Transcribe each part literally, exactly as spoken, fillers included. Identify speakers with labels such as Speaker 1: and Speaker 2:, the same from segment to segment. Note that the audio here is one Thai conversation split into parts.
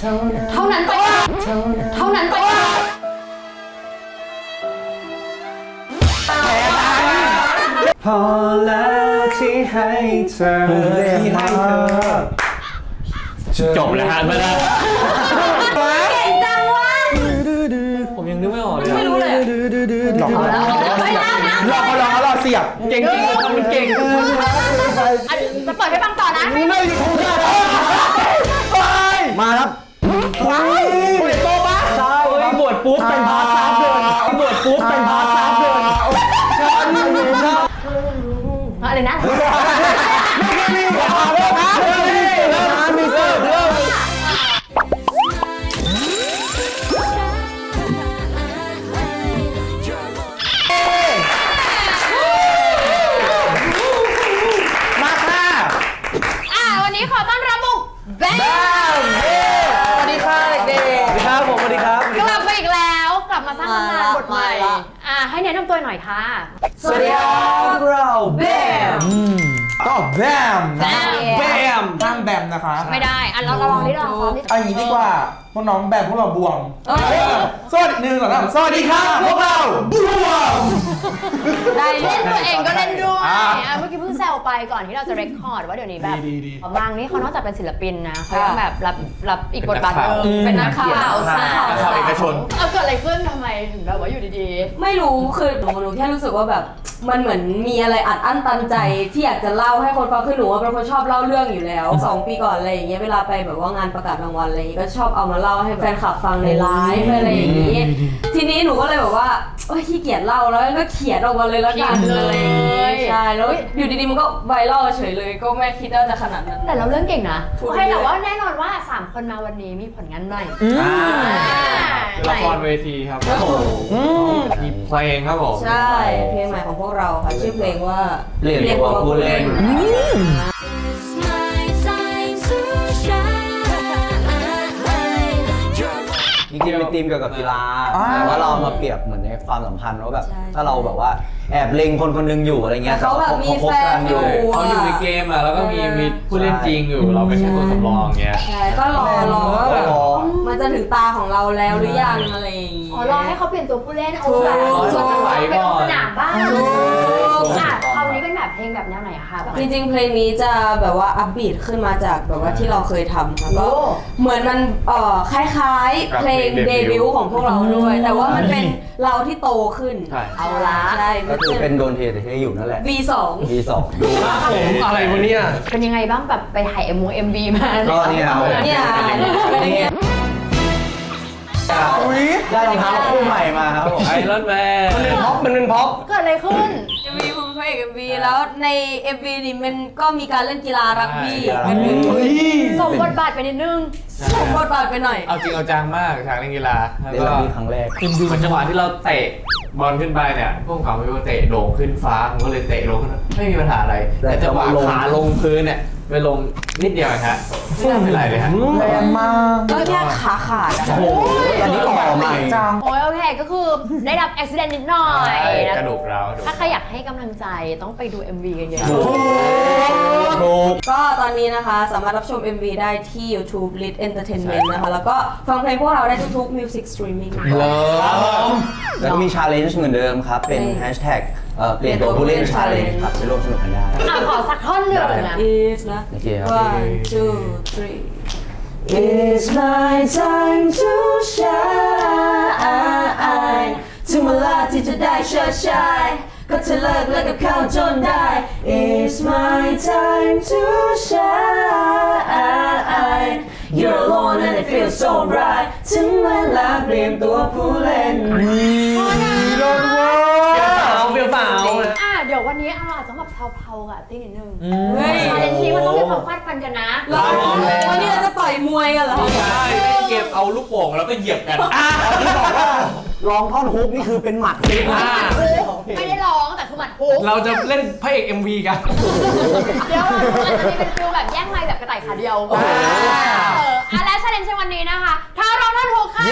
Speaker 1: เท่านั้นไปเท่านั้นไป
Speaker 2: พอแล้วที่ให้เธอที่ให้เธอ
Speaker 3: จบเลยฮะมาแล้ว
Speaker 1: เก่งจังวะ
Speaker 3: ผมยังนึกไม่ออกเลย
Speaker 1: ไม่รู้เลย
Speaker 2: หลอกเขาแล้วหลอกเขาหลอกเขาหลอกเสียบ
Speaker 3: เก่งจริงทำมันเก่ง
Speaker 1: จะเปิดให้ฟังต่อนะ
Speaker 2: ไม่ถูกไปมาครับว้าวคุณเด็กโตปะใช่
Speaker 3: บวชปุ๊บเป็นพาร์ทซับเลยบวชปุ๊บเป็นพาร์ทซับเลย
Speaker 1: อะไรนะขอต้อนรับบุกแบม
Speaker 2: สวัสดีค่ะเด็กๆสวัสดีครับผมสวัสดีครับ
Speaker 1: กลับมาอีกแล้วกลับมาสร้างตำนานบทใหม่อ่ะให้แนะนำตัวหน่อยค่ะ
Speaker 2: สวัสดีครับเราแบมก็แบมแบมห้ามแบมนะคะ
Speaker 1: ไม่ได้อ่ะเราลองนี่ลองซ้อมนี่
Speaker 2: เอาอย่างนี้ดีกว่าพวกน้องแบมพวกเราบวมสวัสดีหนึ่งสองสามสวัสดีครับพวกเราบวม
Speaker 1: ได้เล่นตัวเองก็เล่นด้วยเมื่อกี้เพิ่งแซวไปก่อนที่เราจะเรคคอร์ดว่าเดี๋ยวนี้แบบบางนี่เขานอกจากเป็นศิลปินนะเขายังแบบรับรับอีกบทบาทนึงเป็นนักข่าวสาว
Speaker 3: เอกชน
Speaker 1: เอาเกิดอะไรขึ้นทำไมถึงแบบว่าอยู่ดี
Speaker 4: ๆไม่รู้คือหนูหนูแค่รู้สึกว่าแบบมันเหมือนมีอะไรอัดอั้นตันใจที่อยากจะเล่าให้คนฟังคือหนูว่าเป็นคนชอบเล่าเรื่องอยู่แล้วสองปีก่อนอะไรอย่างเงี้ยเวลาไปแบบว่างานประกาศรางวัลอะไรอย่างเงี้ยก็ชอบเอามาเล่าให้แฟนคลับฟังในไลฟ์อะไรอย่างงี้ทีนี้หนูก็เลยแบบว่าโอ๊ยขี้เกียจเล่าแล้วก็เขียนออกมาเลยละกันเลยใช่แล้วอยู่ดีๆมันก็ไวรัลเฉยเลยก็ไม่คิดว่าจะขนาดนั้น
Speaker 1: แต่เราเรื่องเก่งนะโอเคแต่ว่าแน่นอนว่าสามคนมาวันนี้มีผลงานใหม่
Speaker 3: ละครเวทีครับมีเพลงครับผม
Speaker 4: ใช่เพลงใหม่ของพวกเราค่ะชื่อเพลงว่า
Speaker 3: เรียกว่าผู้เล่น
Speaker 5: จริงๆเป็นธีมเกี่ยวกับกีฬาแต่ว่าเรามาเปรียบเหมือนในความสัมพันธ์ว่าแบบถ้าเราแบบว่าแอบเล็งคนคนนึงอยู่อะไรเงี้ย
Speaker 4: เขาแบบมีแฟนอยู่
Speaker 3: เขาอยู่ในเกมอ่ะแล้วก็มีมีผู้เล่นจริงอยู่เราเป็นแค่ตัวสำรองเงี้ย
Speaker 4: ใช่ก็รอรอว่าแบบมันจะถึงตาของเราแล้วหรือยังอะไรอย่างงี้
Speaker 1: อ๋อรอให้เขาเปลี่ยนตัวผู้เล่นเอาแบบไปลงสนามบ้างอ่ะคราวนี้เป็นแบบเพลงแบบแนวไหนอะคะ
Speaker 4: จริงๆเพลงนี้จะแบบว่าอัพบีทขึ้นมาจากแบบว่าที่เราเคยทำค่ะก็เหมือนมันเอ่อคล้ายๆเพลงเดบิวต์ของพวกเราด้วยแต่ว่ามันเป็นเราที่โตขึ้นเอาละใช่
Speaker 5: ก็คือเป็นโดนเทแต่ที่อยู่นั่นแหละ
Speaker 4: วี สอง
Speaker 5: วี สอง
Speaker 3: ผมอะไรวะเนี่ย
Speaker 1: เป็นยังไงบ้างแบบไปถ่ายเอ็มวีเอ็มวีมา
Speaker 5: ก็เนี่ย
Speaker 4: เนี่ย
Speaker 5: ได้รองเท้าคู่ใหม่มาครับผม
Speaker 3: ไอรอนแมน
Speaker 2: มันเป็นพ็อปมันเป็นพ็อป
Speaker 1: เกิดอะไรขึ้น
Speaker 4: เอ็ม วี ผมพระเอก เอ็ม วี แล้วใน เอ็ม วี นี่มันก็มีการเล่นกีฬารักบี้
Speaker 1: ส่งบทบาทไปนิดนึง
Speaker 4: ส่งบทบาทไปหน่อย
Speaker 3: เอาจริงเอาจังมากฉากเล่นกีฬา
Speaker 5: แล้วก็ครั้งแรก
Speaker 3: คือมันจังหวะที่เราเตะบอลขึ้นไปเนี่ยพวกเขาไม่ว่าเตะโด่งขึ้นฟ้าผมก็เลยเตะลงขึ้นไม่มีปัญหาอะไรแต่จังหวะขาลงพื้นเนี่ยไปลงนิดเดียวฮะไม่ทำอะไรเลยฮะ
Speaker 2: แรงมาก
Speaker 4: ก็แค่ขาขาด
Speaker 5: โอ้โหตอนนี้ต่อใหม่
Speaker 1: จังโอ้ยโอเคก็คือได้รับอุบิเหตุนิดหน่อย
Speaker 3: กระดูกร้าว
Speaker 1: ถ้าใครอยากให้กำลังใจต้องไปดู เอ็ม วี กันเยอะ
Speaker 4: ๆก็ตอนนี้นะคะสามารถรับชม เอ็ม วี ได้ที่ YouTube Lit Entertainment นะคะแล้วก็ฟังเพลงพวกเราได้ทุกๆ Music Streaming
Speaker 5: แล้วก็มี Challenge เหมือนเดิมครับเป็น Hashtag เปลี่ยนตัวผู้เล่น Challenge ครับไปร่วมสนุกกันได้
Speaker 1: ขอสักท่อนหนึ่งนะ
Speaker 4: Is นะ one two three
Speaker 2: It's my time to shine
Speaker 4: ถึงเวลาที่จะได้เชิดชายก็จะเลิกเลิกกับเขาจนได้
Speaker 2: It's my time to shine
Speaker 4: You're alone and it feels so right
Speaker 2: ถึงเวลาเปลี่ยนตัวผู้เล่นวีโดนว่า
Speaker 3: เฟี้ยวฟ้าว
Speaker 1: อ่ะเดี๋ยววันนี้เราอาจจะแบบเพลาๆกับตีนิดนึงเฮ้ยชาเลนจ์ที่มันต้องมีความฟาดฟันกันนะ
Speaker 4: วันนี้เราจะต่อยมวยกันเหรอ
Speaker 3: ใช่เก็บเอาลูกโป่งแล้วก็เหยียบกัน
Speaker 5: อ่ะที่บอกว่าร้องท่อนฮุกนี่คือเป็นหมัด
Speaker 1: ไม่ได้ร้องแต่คือหมัดฮุก
Speaker 3: เราจะเล่นพระเอก เอ็ม วี กัน
Speaker 1: เดี๋ยวอาจจะมีเป็นฟิลแบบแย่งไมค์แบบกระต่ายขาเดียวเอออ่ะและชาเลนจ์ในวันนี้นะคะท้าร้องท่อนฮุกค่ะ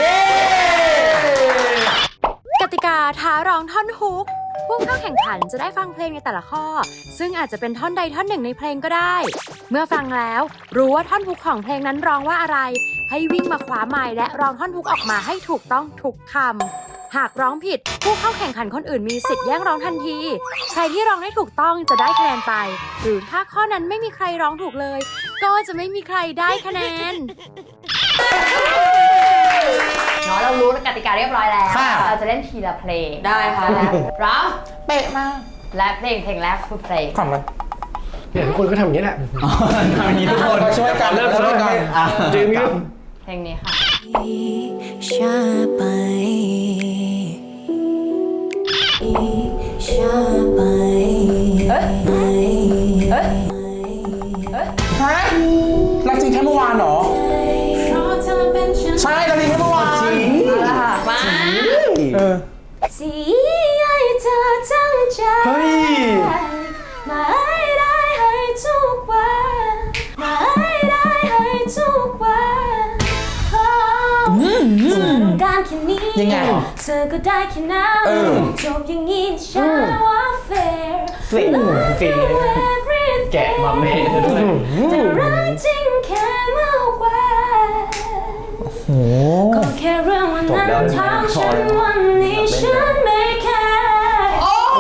Speaker 1: กติกาท้าร้องท่อนฮุกผู้เข้าแข่งขันจะได้ฟังเพลงในแต่ละข้อซึ่งอาจจะเป็นท่อนใดท่อนหนึ่งในเพลงก็ได้เมื่อฟังแล้วรู้ว่าท่อนฮุกของเพลงนั้นร้องว่าอะไร
Speaker 6: ให้วิ่งมาคว้าไมค์และร้องท่อนฮุกออกมาให้ถูกต้องทุกคำหากร้องผิดผู้เข้าแข่งขันคนอื่นมีสิทธิ์แย่งร้องทันทีใครที่ร้องได้ถูกต้องจะได้คะแนนไปหรือถ้าข้อนั้นไม่มีใครร้องถูกเลยก็จะไม่มีใครได้คะแนน
Speaker 1: เนาะเรารู้กติกาเรียบร้อยแล้ว
Speaker 2: ค่ะ
Speaker 1: เราจะเล่นทีละเพลง
Speaker 4: ได้ค่ะ
Speaker 1: และพร้อม
Speaker 2: เป๊ะมาก
Speaker 1: และเพลงเพลงแรกคือเพลง
Speaker 2: ขำไหม
Speaker 7: เนี่ยทุกคนก็ทำอย่างนี้แหละ
Speaker 5: ทำอย่างนี้ทุกคน
Speaker 2: มาช่วยกัน
Speaker 7: เริ่ม
Speaker 2: ช่วยกัน
Speaker 5: อ่ะ
Speaker 7: จริงครับ
Speaker 1: เพลงนี้ค่ะ
Speaker 6: ช้าไปช้าไป
Speaker 1: เฮ้ย เฮ้ย
Speaker 2: ฮะรักจริงแค่เมื่อวานเหรอ ใช่รักจริงแค่เมื่อวาน
Speaker 1: มา
Speaker 2: เออ
Speaker 6: สีให้เธอตั้งใจ
Speaker 2: เฮ้ย
Speaker 6: มาให้ได้ให้ทุกวันมาให้ได้ให้ทุกวันการแค่นี้
Speaker 2: ยังไง
Speaker 6: เธอก็ได้แค่นั้น
Speaker 2: เออ
Speaker 6: จบอย่างนี้ฉันว่า fair
Speaker 5: เฟีย
Speaker 7: เฟีย
Speaker 3: แกะมาเมนด้วย
Speaker 6: แต่รักจริงแค่เมื่อวานก็แค่เรื่องวันนั้นทำฉันวันนี้ฉันไม่แคร์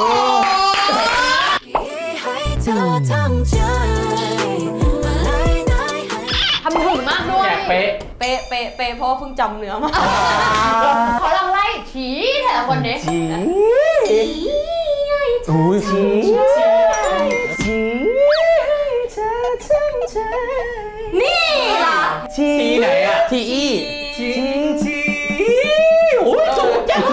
Speaker 6: ให้เธอทั้งใจให้ได้ให้
Speaker 1: ทำถึงมากด้วย
Speaker 3: แกะเป๊ะ
Speaker 4: เป๊ะเป๊ะเป๊ะเพราะว่าเพิ่งจำเนื้อมา
Speaker 1: เขาลองไล่ถีแต่ละคนนี้
Speaker 2: อุ้ย
Speaker 4: นี่ล่ะ
Speaker 5: ชีไหนอ่ะ
Speaker 2: ทีอี
Speaker 5: ชีชีโอ้ยจบจัง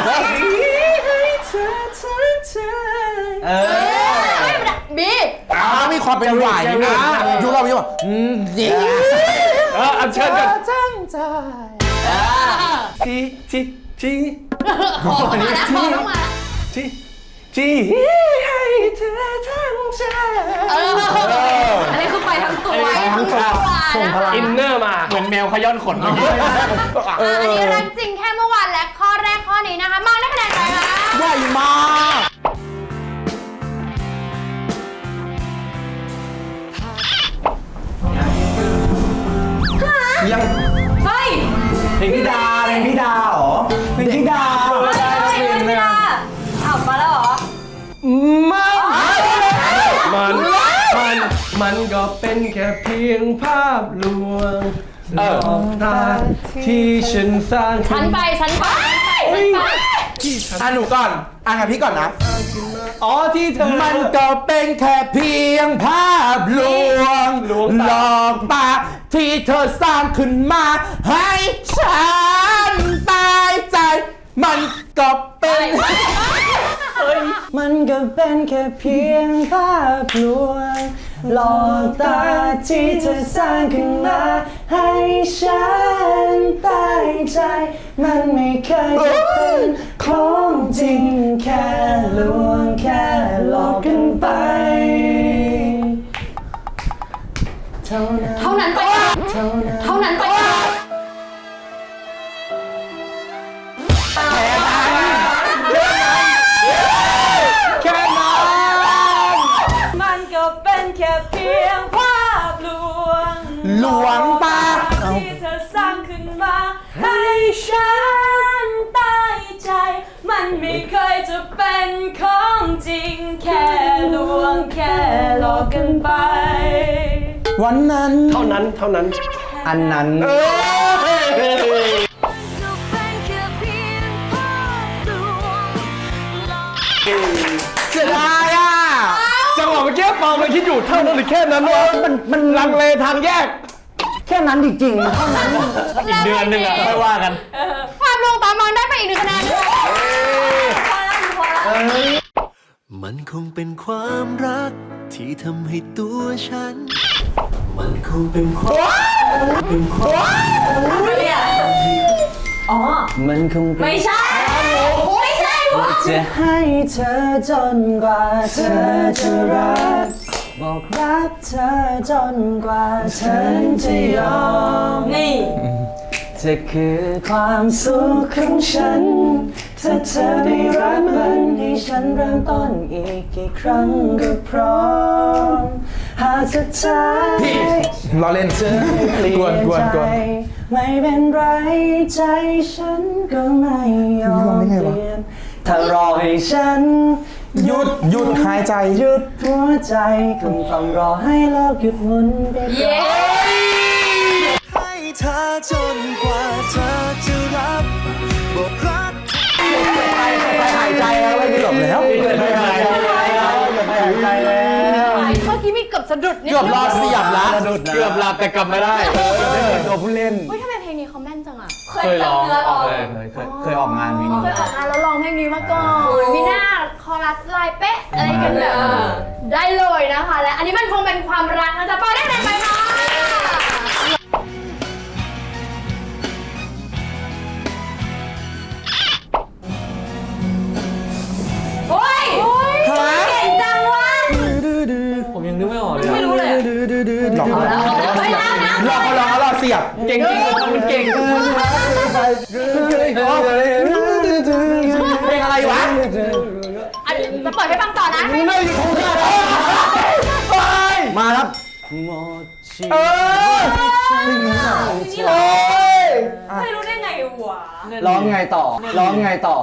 Speaker 5: เออ
Speaker 1: บี
Speaker 2: อ่ามีความเป็นหวายนะยุคเราอยู่แบบอืมดี
Speaker 7: เอออัญเชิญกัน
Speaker 2: ตั้งใจ
Speaker 7: ทีทีที
Speaker 1: ขอมาแล้วขอต้องมา
Speaker 7: ทีทีให้เธอทั้งใจ
Speaker 1: เออ
Speaker 4: อันนี้คือไปทั้งตัว
Speaker 1: ไปทั้งตัวนะคะ
Speaker 7: อินเนอร์มา
Speaker 3: เหมือนแมวขย้อนขนเมื่อกี้
Speaker 1: อันนี้รักจริงแค่เมื่อวานและข้อแรกข้อนี้นะคะมาได้คะแนนไปค่ะ
Speaker 2: ใหญ่มาก
Speaker 5: ยัง
Speaker 4: เฮ้ย
Speaker 5: เพลงพี่ดาเพลงพี่ดาเหรอเพลงพี่ดา
Speaker 4: ไม่ใช่ไม่ใช่อ้าวมาแล้วเหรอ
Speaker 7: มันมัน มันก็เป็นแค่เพียงภาพลวงหลอกตาที่ฉันสร้าง
Speaker 1: ฉั
Speaker 7: ขึ้
Speaker 1: น
Speaker 7: น
Speaker 1: ไปฉันไปฉันไป
Speaker 2: อ่ะหนูก่อนอ่ะงั้นพี่ก่อนนะ
Speaker 7: อ๋อที่เธอ
Speaker 2: มันก็เป็นแค่เพียงภาพลวง
Speaker 7: ลวงตา
Speaker 2: หลอกตาที่เธอสร้างขึ้นมาให้ฉันตายใจ มันก็เป็น
Speaker 5: มันก็เป็นแค่เพียงภาพลวงหลอกตาที่เธอสร้างขึ้นมาให้ฉันตายใจ มันไม่เคยจะเป็นของจริงแค่ลวงแค่หลอกกันไปเท่านั้น
Speaker 1: เท่านั้นไปเท่านั้นไป
Speaker 2: แค่นั้น
Speaker 4: มันก็เป็นแค่เพียงภาพลวง
Speaker 2: หลวงตา
Speaker 4: ที่เธอสร้างขึ้นมาให้ฉันตายใจ มันไม่เคยจะเป็นของจริงแค่ลวงแค่หลอกกันไป
Speaker 2: วันนั้น
Speaker 7: เท่านั้นเท่านั้น
Speaker 5: อันนั้น
Speaker 7: เออ
Speaker 2: เสียดายอ่ะ
Speaker 7: จังหวะเมื่อกี้ปอมันคิดอยู่เท่านั้นหรือแค่นั้นวะมันมันลังเลทางแยก
Speaker 5: แค่นั้นจริงๆเท่านั้น
Speaker 3: อีกเดือนหนึ่งอะค่อยว่ากัน
Speaker 1: ภาพลวงตามองได้ไปอีกหนึ่งคะแนนค่ะ
Speaker 4: พอแล้วพอแล้ว
Speaker 8: มันคงเป็นความรักที่ทำให้ตัวฉัน มันคงเป็นความเป็นความ
Speaker 4: เนี่ยอ๋อ
Speaker 5: มันคงเป็น
Speaker 4: ไม่ใช่ ไม่ใช่วะ
Speaker 5: จะให้เธอจนกว่าเธอจะรัก บอกรักเธอจนกว่าเธอจะยอม
Speaker 4: นี่
Speaker 5: จะคือความสุขของฉัน ถ้าเธอได้รักมันให้ฉันเริ่มต้นอีกกี่ครั้งก็พร้อมหากสุดท้าย
Speaker 2: พี่รอเล่น
Speaker 5: เธอเปลี่
Speaker 2: กวน
Speaker 5: ยน
Speaker 2: กวน
Speaker 5: ใจ
Speaker 2: กวน
Speaker 5: ไม่เป็นไรใจฉันก็ไม่ยอมเปลี่ยนถ้ารอให้ฉัน
Speaker 2: หยุดหยุดหายใจ
Speaker 5: หยุดหัวใจคงต้องรอให้โลกหยุดหมุนไปก่อน
Speaker 8: ให้เธอจนกว่าเธอจะรับบอกรัก
Speaker 5: ไปหายใจแล้วไม่ได้หลบแล้วไปหายใจแล้วไปหายใจแล้ว
Speaker 1: เมื่อกี้มีเกือบสะดุดนิด
Speaker 2: เกือบรอเสียบละ
Speaker 3: เกือบหลับแต่กลับไม่ได้
Speaker 5: ตัวผู้เล่น
Speaker 1: เฮ้ยทำไมเพลงนี้เขาแม่นจังอ่ะ
Speaker 3: เคยร้องออกเลย
Speaker 5: เคยเคยออกงานเพลง
Speaker 1: เขา
Speaker 5: นี้
Speaker 1: เคยออกงานแล้วร้องเพลงนี้มาก่อนมีหน้าคอรัสลายเป๊ะอะไรกันแบบได้เลยนะคะ และอันนี้มันคงเป็นความรักนะจ๊ะปาได้ไหนไปคะโอ้ยเก่งจังวะ
Speaker 3: ผมยังนึกไม่ออกเลย
Speaker 4: ไม่รู้เลย
Speaker 2: หลอกเขา
Speaker 1: แล้วเฮ้ยนะนะ
Speaker 2: หลอกเขาหลอกเขาหลอกเสียบ
Speaker 3: เก่งจริงมันเก่ง
Speaker 2: เพลงอะไรวะ
Speaker 1: อันนี้จะเปิดให้ฟังต่อนะ
Speaker 5: มาครับ
Speaker 2: เออโอ้ย
Speaker 4: ไม่รู้ได้ไงวะ
Speaker 5: ร้องไงต่อร้องไงต่อ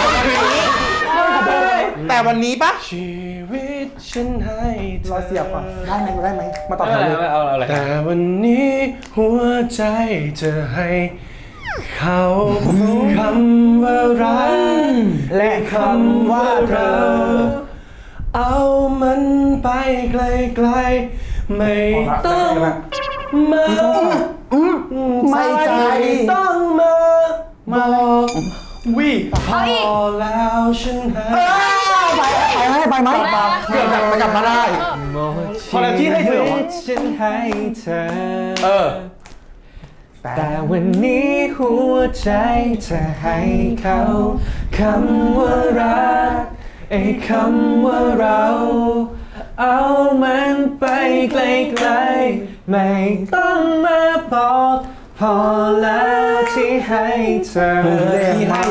Speaker 2: แต่วันนี้ปะ
Speaker 7: ชีวิตฉันให้เธ
Speaker 2: รอเสียบก่อนได้ไหมได้ไหมมาต่อ
Speaker 3: ไม่
Speaker 2: แถ
Speaker 3: เป็น
Speaker 2: ว
Speaker 3: ไร
Speaker 2: เลย
Speaker 3: ไม่เอาอะไร
Speaker 7: แต่วันนี้หัวใจจะให้เขาคำว่ารัก
Speaker 5: และคำว่าเธอ
Speaker 7: เอามันไปไกลๆไม่ต้องมา
Speaker 2: ไม่ใจ
Speaker 7: ต้องมาบอกวิพอแล้วฉันให้
Speaker 5: ไปไหมไปไหม
Speaker 2: เกือบแบบกลับมาได้
Speaker 7: พอแล้วที่ให้เธอ
Speaker 5: ฉันให้เธอ
Speaker 2: เออ
Speaker 5: แต่วันนี้หัวใจจะให้เขาคำว่ารักไอ้คำว่าเรา เอามันไปไกลๆไม่ต้องมาบอกพอแล้วที่ให้เธอที่ให้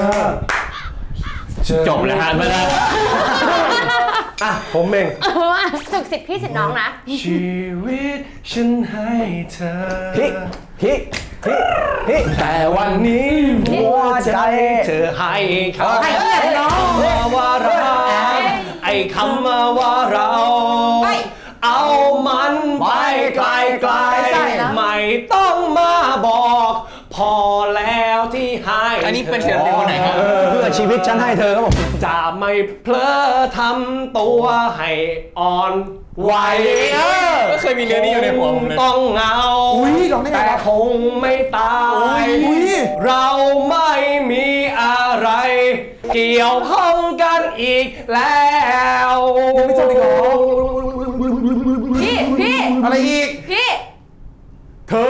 Speaker 5: เธอ
Speaker 3: จบแล้วฮะไม่ได้
Speaker 7: อ่ะผมเอง
Speaker 1: ถึกสิทธิ์พี่สิทธิ์น้องนะ
Speaker 7: ชีวิตฉันให้เธอ
Speaker 5: พี่พี่พี่พี่
Speaker 7: แต่วันนี้หัวใจเธอให้เขาให้น้องว่าเราไอ้คำว่าเรา เอามันไปไกลๆไม่ต้องมาบอก พอแล้วที่ให้
Speaker 3: อันนี้เป็นศิลปินคนไหนครับ
Speaker 5: เพื่อชีวิตฉันให้เธอครับผม
Speaker 7: จะไม่เพลอทำตัวให้อ่อนไหว
Speaker 3: ก็เคยมีเรื่องนี้อยู่ในหัวผมเลย
Speaker 7: ต้องเหงา
Speaker 2: อุ๊ยร้องได้ไงวะ
Speaker 7: แต่คงไม่ตาย
Speaker 2: อุ๊ย
Speaker 7: เราไม่มีอะไร เกี่ยวข้องกันอีกแล้ว
Speaker 2: ไม่จบอีกเหรอ
Speaker 1: พี่ พี่
Speaker 2: อะไรอีก
Speaker 1: พี่
Speaker 2: เธอ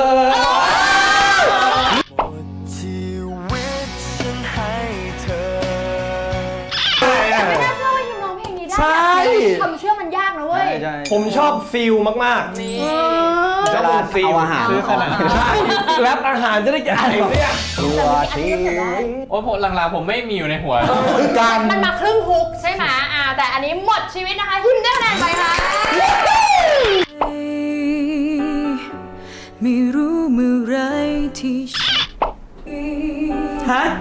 Speaker 8: ชีวิตฉันให้เธอ
Speaker 1: ไม่น่าเชื่อว่ายิมร้องเพลงนี้ได้
Speaker 2: ใช่
Speaker 1: คำเชื่อมันยากนะเว้ย
Speaker 7: ผมชอบฟิลมากๆชอบฟิล
Speaker 5: เอาอาหาร
Speaker 3: ซื้อขนาดนั้น
Speaker 7: ใช่แรปอาหารจะได้กินอะไรเนี่ย
Speaker 5: ตัวชีวิต
Speaker 3: โอ้ผมหลังๆผมไม่มีอยู่ในหัว
Speaker 2: คือการ
Speaker 1: มันมาครึ่งฮุกใช่ไหมอ่าแต่อันนี้หมดชีวิตนะคะทิมได้คะแนนไปค่ะ
Speaker 8: ไม่รู้เมื่อไรที่
Speaker 5: ฮะ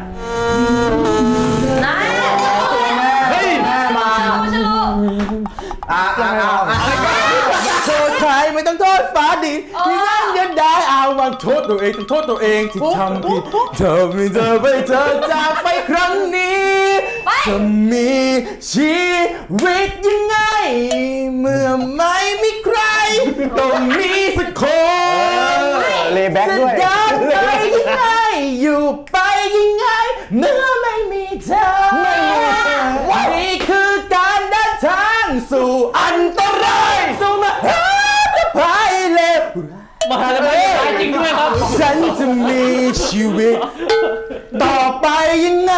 Speaker 2: เฮ้ย
Speaker 5: แม่มา
Speaker 2: อ่าอ่าอ่าโทษใครไม่ต้องโทษฟ้าดินที่นั่นยันได้เอาวันโทษตัวเองต้องโทษตัวเองที่ทำผิดเธอไม่เธอไปเธอจากไปครั้งนี้จะมีชีวิตยังไง เมื่อไม่มีใครต้องมีสักคน
Speaker 5: เลย์แบ็กด้วย
Speaker 2: จะเดินไปยังไงอยู่ไปยังไงเมื่อไม่มีเธอนี่คือการเดินทางสู่อันตรายสู่มหาภัยเลว
Speaker 3: มหาลัยตายจริงด้วยครับ
Speaker 2: ฉันจะมีชีวิต ต่อไปยังไง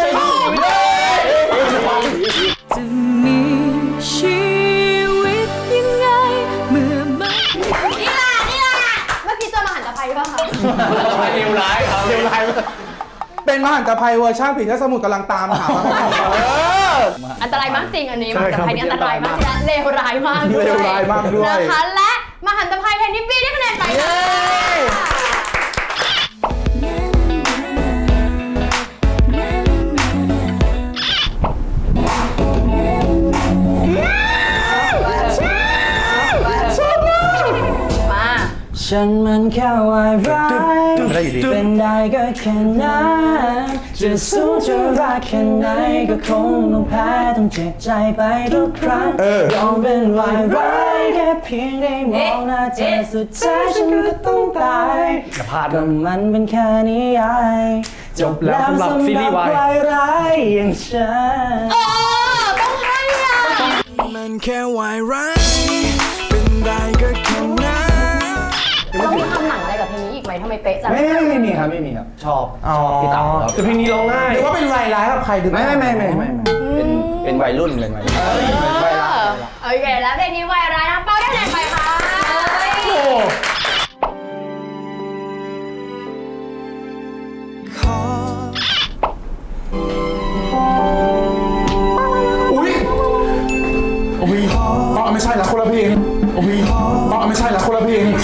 Speaker 8: จะมีชีวิตยังไง เมื่อไม่
Speaker 1: นี่ล่ะนี่ล่ะเมื่อกี้เจอมหันตภัยป่ะคะ
Speaker 3: ไปเร็วร้ายครับ
Speaker 2: เร็วร้ายมากเป็นมหันตภัยเวอร์ชันผีเสื้อสมุทรกำลังตามหา
Speaker 1: อันตรายมากจริงอันนี้มหันตภัยนี่อันตรายมากจริงและเลวร้ายมากด้วย
Speaker 2: เลวร้ายมากด้วย
Speaker 1: นะคะและมหันตภัยเพนนิปปี้ได้คะแนนไปเลย มา
Speaker 5: ฉันมันแค่วายร้ายเป็นได้ก็แค่นั้นจะสู้จะรักแค่ไหนก็คงต้องแพ้ต้องเจ็บใจไปทุกครั้งยอมเป็นวายร้ายแค่เพียงได้มองหน้าเธอสุดท้ายฉันก็ต้องตายก็มันเป็นแค่นิยายจบแล้วสำหรับซีรีส์วายร้ายอย่างฉัน
Speaker 1: เออต้องให้อ่ะ
Speaker 8: มันแค่วายร้ายเป็นได้ก็แค่นั้น
Speaker 1: ต้องมีทำหนังอะไรกับเพลงนี้อีกไหมทำไมเป๊ะจัง
Speaker 5: ไม่ไม่ไม่มีครับไม่มีครับชอบชอบพี่เต๋าครับ
Speaker 7: แต่เพลงนี้ร้องง่าย
Speaker 2: หรือว่าเป็นรายร้ายกับใครหรือ
Speaker 5: ไม่ไม่ไม่ไม่ไม่เป็นเป็นวัยรุ่นเป็นวัยรุ่น
Speaker 1: เออโอเคแล้วเพลงนี้วายร้ายนะเป้าได้คะแนนไปค่ะ
Speaker 8: ขอ
Speaker 2: อุ้ยโอ้ยอ๋อไม่ใช่ละคนละเพลงโอ้ยอ๋อไม่ใช่ละคนละเพลง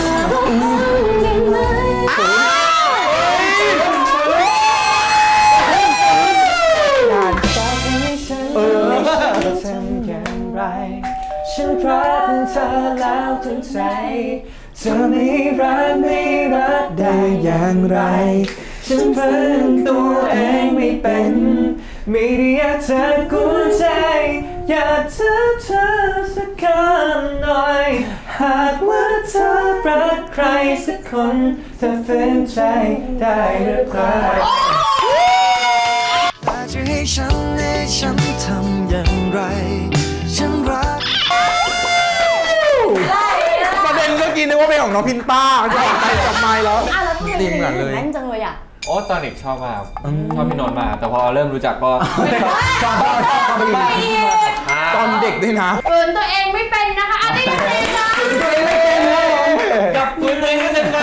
Speaker 2: เออ
Speaker 5: ทำอย่างไรฉันรักเธอแล้วทั้งใจเธอไม่รักไม่รักได้อย่างไรฉันเพิ่งตัวเองไม่เป็นไม่ได้อยากเธอกุญใจอยากเธอเธอสักคำหน่อยหากว่าเธอรักใครสักคนเธอฝืนใจได้หรือเปล่า
Speaker 8: แต่จะให้ฉันให้ฉันทำอย่างไรฉันรัก
Speaker 2: ประเด็นเมื่อกี้นึกว่าเป็นของน้องพินต้าจะออกไปจับไม้แล้ว
Speaker 1: อ่ะแล้วทำไม
Speaker 2: ดีเหมือนเลย
Speaker 1: แม่นจังเลยอ่ะ
Speaker 3: โอ้ตอนเด็กชอบมากชอบพี่นนท์มากแต่พอเริ่มรู้จักก็
Speaker 2: ตอนเด็กด้วยนะ
Speaker 1: เกินตัวเองไม่เป็นนะคะอ่ะได้คะแนนค่ะ
Speaker 7: จับมือตัวเองให้เต็มนะ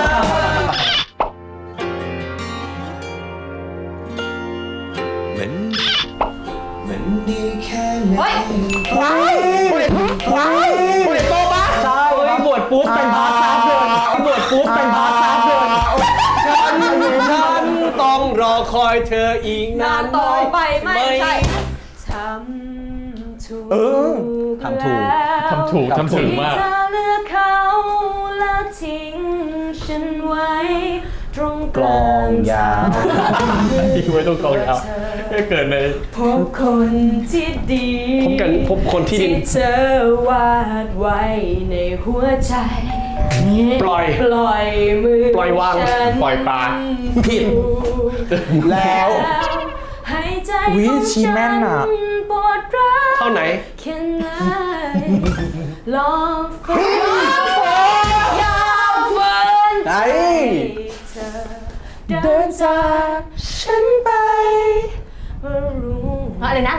Speaker 8: เหมือนเหมือนดีแค่ไหน
Speaker 1: เฮ้ย
Speaker 2: ว้ายผู้เด็กว้ายผู้เด็กโตปะ
Speaker 5: ใช่ครับบวชปุ๊บเป็นพาร์ทซับเลยบวชปุ๊บเป็นพาร์ทซับเลย
Speaker 7: ฉันฉันต้องรอคอยเธออีกนาน
Speaker 4: ต่อไปไม่ใช่ทำถูก
Speaker 2: เออ
Speaker 5: ทำถูก
Speaker 3: ทำถูกทำถึงมาก
Speaker 4: เธอเลือกเขาแล้วทิ้งฉันไว้ตรงก
Speaker 5: กล
Speaker 4: ลา
Speaker 5: อง
Speaker 4: ง
Speaker 5: ยาว
Speaker 3: ทิ้งไว้ตรงกองยาวไม่เกิดเลย
Speaker 4: พบคนที่ดี
Speaker 7: พบกันพบคนที่ดี
Speaker 4: ที่เธอวาดไว้ในหัวใจ
Speaker 7: ปล่อย
Speaker 4: ปล่อยมือ
Speaker 7: ปล่อยวาง
Speaker 4: ฉัน
Speaker 3: ปล่อยปลา
Speaker 2: ผิดแล้ว
Speaker 4: ให้ใจ
Speaker 2: วิ
Speaker 4: ของ
Speaker 2: ชีแม่นอะ
Speaker 4: ฉัปวดร้าว
Speaker 7: เท่าไหน
Speaker 4: แค่ไหนลองฝืนยาวฝืน
Speaker 5: ไหน
Speaker 4: เธอเดินจากฉันไปเมื่อรู้
Speaker 1: อะไรนะ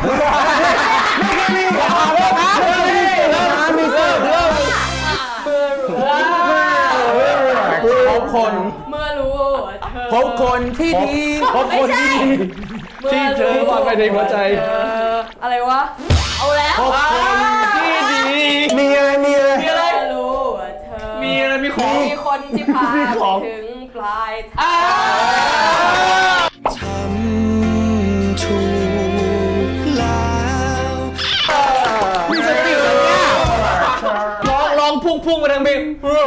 Speaker 2: มีเสิร์ฟด้วยพบคน
Speaker 4: เมื่อรู้ว่าเธอ
Speaker 2: พบคนที่ดี
Speaker 7: พบคนที่ดีที่เธอวาดไว้ในหัวใจ
Speaker 4: เอออะไรวะ
Speaker 1: เอาแล้ว
Speaker 7: พบคนที่ดี
Speaker 2: มีอะไรมีอะไร
Speaker 7: มีอะไร
Speaker 4: เมื่อรู้ว่าเธอ
Speaker 7: มีอะไรมีของ
Speaker 4: มีคนที่พา
Speaker 7: มีของ
Speaker 4: ถึงปลายทาง
Speaker 8: ทำถูกแล้ว
Speaker 2: มีสติเหรอเนี่ย
Speaker 7: ลองลองพุ่งพุ่งไปทางเพลง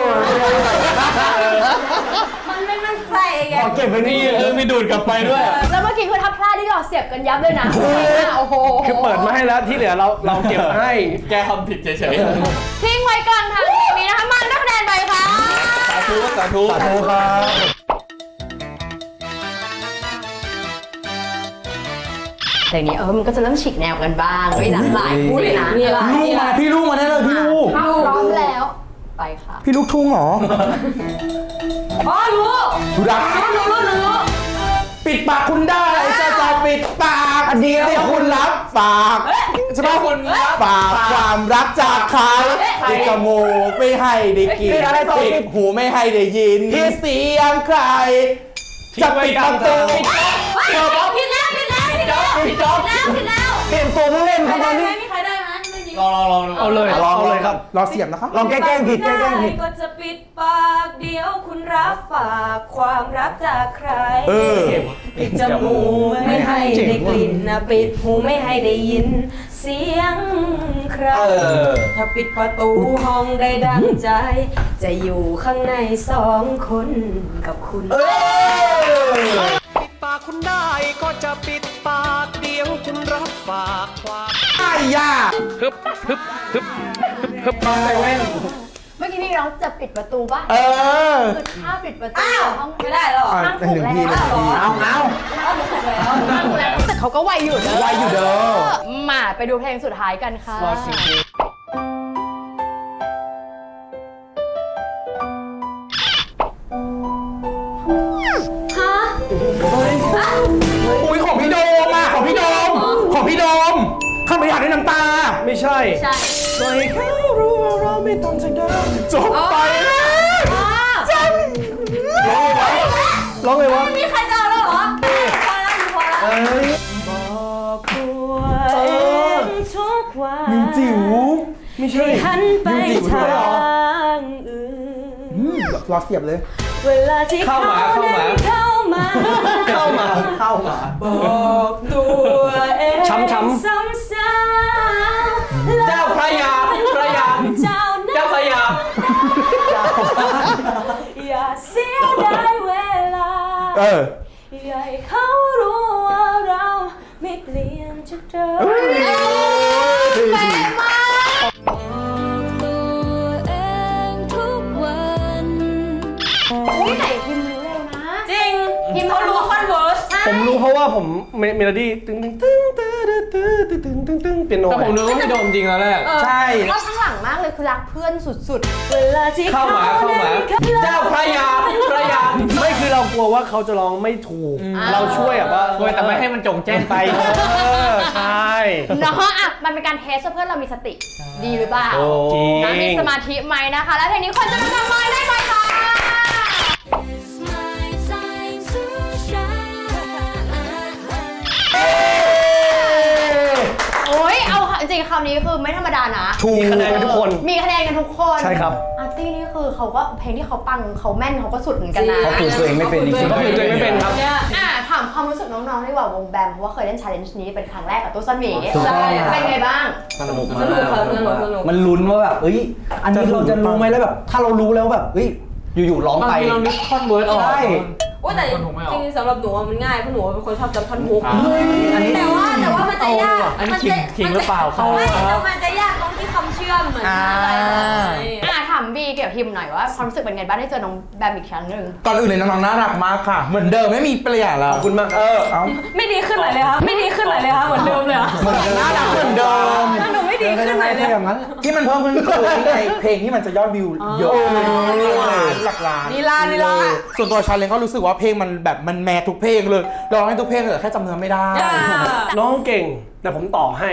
Speaker 4: มันไม่มั่นใจไง
Speaker 7: เก็บไว้นี่เออมีดูดกลับไปด้วย
Speaker 1: แล้วเมื่อกี้คือทับพลาดที่เราเสียบกันยับเลยนะโอ้โห
Speaker 7: คือเปิดมาให้แล้วที่เหลือเราเราเก็บให้
Speaker 3: แกทำผิดเฉย
Speaker 1: ทิ้งไว้กลางทางเพลงนี้นะคะมันได้คะแนนไปค่ะ
Speaker 3: ๆสาธุสาธุ
Speaker 2: สาธุครับ
Speaker 1: เพลงนี้เออมันก็จะเริ่มฉีกแนวกันบ้างมีหลากหลายคู่เลยนะ
Speaker 4: มีอะไร
Speaker 2: ลูกมาพี่ลูกมาได้เลยพี่ลูก
Speaker 1: ถ้าพร้อมแล้วไปค่ะ
Speaker 2: พี่ลูกทุ่งเหรอ
Speaker 4: อ๋อรู้
Speaker 2: รัก
Speaker 4: รู้รู้รู้รู้
Speaker 2: ปิดปากคุณได้จะจะปิดปากเดียวคุณรับฝากใช่ไหมคุณรับฝากความรักจากใครปิดจมูกไม่ให้ได้กินปิดหูไม่ให้ได้ยินที่เสียงใคร จะปิดประตู
Speaker 4: ผิดแล้วผิดแล้วผิดแล้วผิดแล้วผิดแล้ว
Speaker 5: เปลี่ยนตัวผู้เล่นครับตอนนี้
Speaker 4: มีใครได้ไหมไม่มี
Speaker 3: ลองลองลอง
Speaker 7: เอาเลยเอาเลยครับ
Speaker 2: รอเสียบนะครับ
Speaker 5: ลองแกล้งผิดแกล้งผิด
Speaker 4: ก็จะปิดปากเดี๋ยวคุณรับฝากความรักจากใคร
Speaker 2: เออ
Speaker 4: ปิดจมูกไม่ให้ได้กลิ่นนะปิดหูไม่ให้ได้ยิน เสียงใคร
Speaker 5: เออ
Speaker 4: ถ้าปิดประตูห้องได้ดังใจ จะอยู่ข้างในสองคนกับคุณ
Speaker 7: ปิดปากคุณได้ก็จะปิดปากเดี๋ยวคุณรับฝากความ
Speaker 2: ไอ้ยา
Speaker 7: ฮึบฮึบฮึบฮึบฮึบ
Speaker 2: มาเซเว่น
Speaker 1: เมื่อกี้พี่ร้องจะปิดประตูปะ
Speaker 2: เออ
Speaker 1: คือถ้าปิดประตู
Speaker 4: อ้าว
Speaker 1: ห้อง
Speaker 4: ไม่ได้หรอ
Speaker 2: อ่ะ
Speaker 1: ห้าง
Speaker 2: เป็น
Speaker 1: ถูก
Speaker 2: หนึ่ง
Speaker 1: แล้ว
Speaker 2: ทีหนึ่งทีเอาเอา
Speaker 4: อ้าวรู้สึกแล้ว
Speaker 1: ห้างถูกแล้วแต่เขาก็ไวอยู่เด้อ
Speaker 2: ไวอยู่เด้อ
Speaker 1: มาไปดูเพลงสุดท้ายกันค่ะ
Speaker 4: ฮะ
Speaker 2: อุ้ยของพี่โดมอ่ะของพี่โดม ของพี่โดมข้ามไปหาด้วยน้ำตา
Speaker 7: ไม่ใช่
Speaker 4: ใช่
Speaker 7: ปล่อยเขารู้ว่าเราไม่ต้องจะเดิน
Speaker 2: จบไปแล้ว
Speaker 7: ร้องไงวะ
Speaker 4: มีใครจะเอาแล้วเหรอพอแล้วพอแล้วบอกตัวเองทุกวัน
Speaker 2: มินจิ๋ว
Speaker 7: ไม่ใช่
Speaker 4: หันไป
Speaker 2: มิวจิ๋วด้
Speaker 4: ทา
Speaker 2: วยเหรอ
Speaker 4: งอื่น
Speaker 2: อืมรอเสียบเลย
Speaker 4: เวลาที่เขาเดินเข้ามา
Speaker 7: เข้ามา
Speaker 2: เข้ามา
Speaker 4: บอกตัวเอง
Speaker 7: ช้ำช้ำ
Speaker 4: ซ้ำๆ
Speaker 3: เจ้าพระยาพระยา
Speaker 4: เจ้า
Speaker 3: เจ้าพระยา
Speaker 4: อย่าเสียดายเวลา
Speaker 2: เออ
Speaker 4: อย่าให้เขารู้ว่าเราไม่เปลี่ยนจากเดิม
Speaker 1: แม่มาก
Speaker 4: ตัวเองทุกวัน
Speaker 1: อุ้ยไหนพิมพ์รู้เร็วนะ
Speaker 4: จริง
Speaker 1: พิมพ์
Speaker 4: เขารู้คอนเวิร์ส
Speaker 7: ผมรู้เพราะว่าผมเมเมโลดี้ตึ้งตึ้งตึ้งตึ้งตึ้งตึ้งตึ้งตึ้งตึ้งเปียโน
Speaker 3: แต่ผมนึกว่าพี่โดมจริงแล้วแหละ
Speaker 2: ใช่
Speaker 1: ชอบข้างหลังมากเลยคือรักเพื่อนสุด
Speaker 4: เวลาที่
Speaker 3: เข้ามาเข้ามา เจ้าพระยาพระยา
Speaker 7: ไม่คือเรากลัวว่าเขาจะร้องไม่ถูก เราช่วยแบบว่า
Speaker 3: ช่วยแต่ไม่ให้มันจงแจ้งไป
Speaker 7: เออใช่
Speaker 1: ๆเนาะอ่ะมันเป็นการเทสว่าเพื่อนเรามีสติ ดีหรือเปล่า
Speaker 7: จริง
Speaker 1: นะมีสมาธิไหมนะคะ แล้วเพลงนี้คนจะทำไมได้ไหมคะโอ้ยเอาจริงๆคำนี้คือไม่ธรรมดานะ
Speaker 7: ถูกคะแนนกันทุกคน
Speaker 1: มีคะแนนกันทุกคน
Speaker 7: ใช่ครับ
Speaker 1: อาร์ตี้นี่คือเขาก็เพลงที่เขาปังเขาแม่นเขาก็สุดเหมือนกันนะ
Speaker 5: เขาฝึกตัวเองไม่เป็นจริงๆ
Speaker 7: ก็คือตัวเองไม่เป็นครับ
Speaker 1: อ่ะถามความรู้สึกน้องๆดีกว่าวงแบมเพราะว่าเคยเล่น challenge นี้เป็นครั้งแรกกับตู้ซ่อนหมี
Speaker 5: ถูกต้อง
Speaker 1: เป็นไงบ้าง
Speaker 3: สนุก
Speaker 4: ส
Speaker 3: มาก
Speaker 4: นุกครับสนุกสนุก
Speaker 5: มันลุ้นว่าแบบเอ้ย อันนี้เราจะรู้ไหมแล้วแบบ ถ้าเรารู้แล้วแบบเอ้ย อยู่ๆร้อง
Speaker 3: บาง
Speaker 5: ไป
Speaker 3: ทีเรานึกท่อนเวิร์ดออก
Speaker 5: ใช่
Speaker 4: โอ้แต่
Speaker 3: คนถูกไม่ออก
Speaker 4: จริงๆสำหรับหนูอะมันง่ายเพราะหนูเป็นคนชอบจำท่อนฮุก
Speaker 3: อ่า
Speaker 5: อันนี้
Speaker 4: แต่ว่าแต่ว่ามันจะยาก
Speaker 3: อันนี้
Speaker 4: มัจะ
Speaker 3: ขิงหรือเปล่าครับ
Speaker 4: ไม่แต่มันจะยากตรงที่คำเชื่อมเหมือนที่อะไรเลย
Speaker 1: อ่ะถามบีเกี่ยวกับพิมหน่อยว่าความรู้สึกเป็นไงบ้างได้เจอน้องแบมอีกครั้งหนึ่ง
Speaker 2: ก่อนอื่นเลยน้องๆน่ารักมากค่ะ เหมือนเดิมไม่มีเปลี่ยนแล้ว
Speaker 7: ขอบคุณมาก
Speaker 2: เออ เอา
Speaker 4: ไม่ดีขึ้นเลยเลยคะไม่ดีขึ้นเลยเลยคะเหมือนเดิมเลยอะ
Speaker 2: เหมือนเดิมน่ารักเหมือนเดิม
Speaker 4: ถ้าหนูไม่ดีขึ้นเลยเลย
Speaker 5: อย่างนั้น
Speaker 2: ที่มันเพิ่มขึ้นคือนี่ไงเพลงที่มันจะยอดวิวเยอะหลักล้าน
Speaker 4: นีลานีลา
Speaker 2: ส่วนตัวชาเลนก็รู้สึกว่าเพลงมันแบบมันแมททุกเพลงเลยร้องให้ทุกเพลงแต่แค่จำเนื้อไม่ได้
Speaker 7: น้องเก่ง แต่ผมต่อให้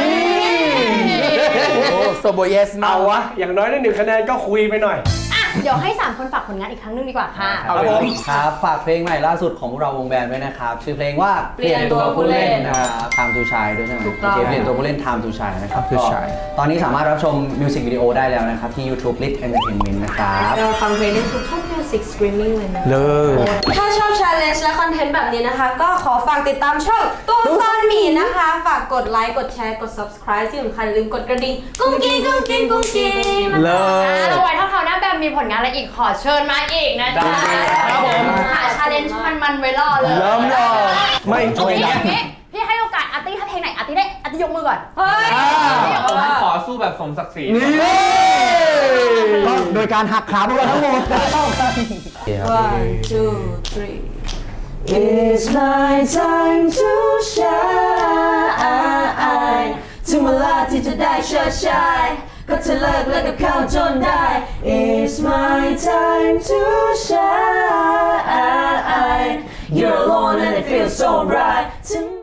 Speaker 2: โอ้โซโบเยสมา
Speaker 7: เอาวะ อย่างน้อยได้หนึ่งคะแนนก็คุยไปหน่อย
Speaker 1: อ่ะเดี๋ยวให้สามคนฝากผลงานอีกครั้งหนึงดีกว่าค่ะ
Speaker 2: เอาเลย
Speaker 5: ครับฝากเพลงใหม่ล่าสุดของพวกเราวงแบนด์ด้วยนะครับ ชื่อเพลงว่า
Speaker 4: เปลี่ยนตัวผู้เล่น
Speaker 5: นะครับ Time to Shine ด้วยใช่ไหม
Speaker 4: ถูกต้อง
Speaker 5: โอเคเปลี่ยนตัวผู้เล่น Time to Shine นะครับ
Speaker 2: Time to
Speaker 5: ก็
Speaker 2: Shine
Speaker 5: ตอนนี้สามารถรับชมมิวสิกวิดีโอได้แล้วนะครับ ที่ YouTube Lit Entertainment นะครับ
Speaker 4: เราฟังเพลงได้ทุกทุกมิวสิกสตรีมมิ่งเลยนะ
Speaker 2: เลิศ
Speaker 4: ถ้าชอบ challenge และคอนเทนต์แบบนี้นะคะ ก็ขอฝากติดตามช่องตัวซ่อนหมีนะคะ ฝากกดไลค์ กดแชร์ กด subscribe ที่สำคัญอย่าลืมกดกระดิ่งกุ้งกิ้งกุ้งกิ้งกุ้งกิ้ง
Speaker 2: เลิ
Speaker 1: อ่ะ
Speaker 2: ศ
Speaker 1: แล้วไว้ถ้าคราวหน้าแบมมีผลงานอะไรอีกขอเชิญมาอีกนะจ๊ะ
Speaker 7: ครับผม
Speaker 1: หาชาเลนจ์มันๆไว้รอเลย
Speaker 2: เริ่มรอ
Speaker 7: ไม่
Speaker 1: เอา
Speaker 7: ช่วย
Speaker 1: งี้
Speaker 7: นะ
Speaker 1: อย่างนี้พี่ให้โอกาสอาร์ตี้ถ้าเพลงไหนอาร์ตี้ได้อาร์ตี้ยกมือก่อน
Speaker 4: เฮ้ย
Speaker 3: ผมขอสู้แบบสมศักดิ์ศรี
Speaker 5: ก็โดยการหักขาพวกเราทั้งหมดเท่ากัน
Speaker 4: one two three
Speaker 5: It's my time to shine ถึงเวลาที่จะได้เชิดชายก็จะเลิกเลิกกับเขาจนได้ It's my time to shine You're alone and it feels so right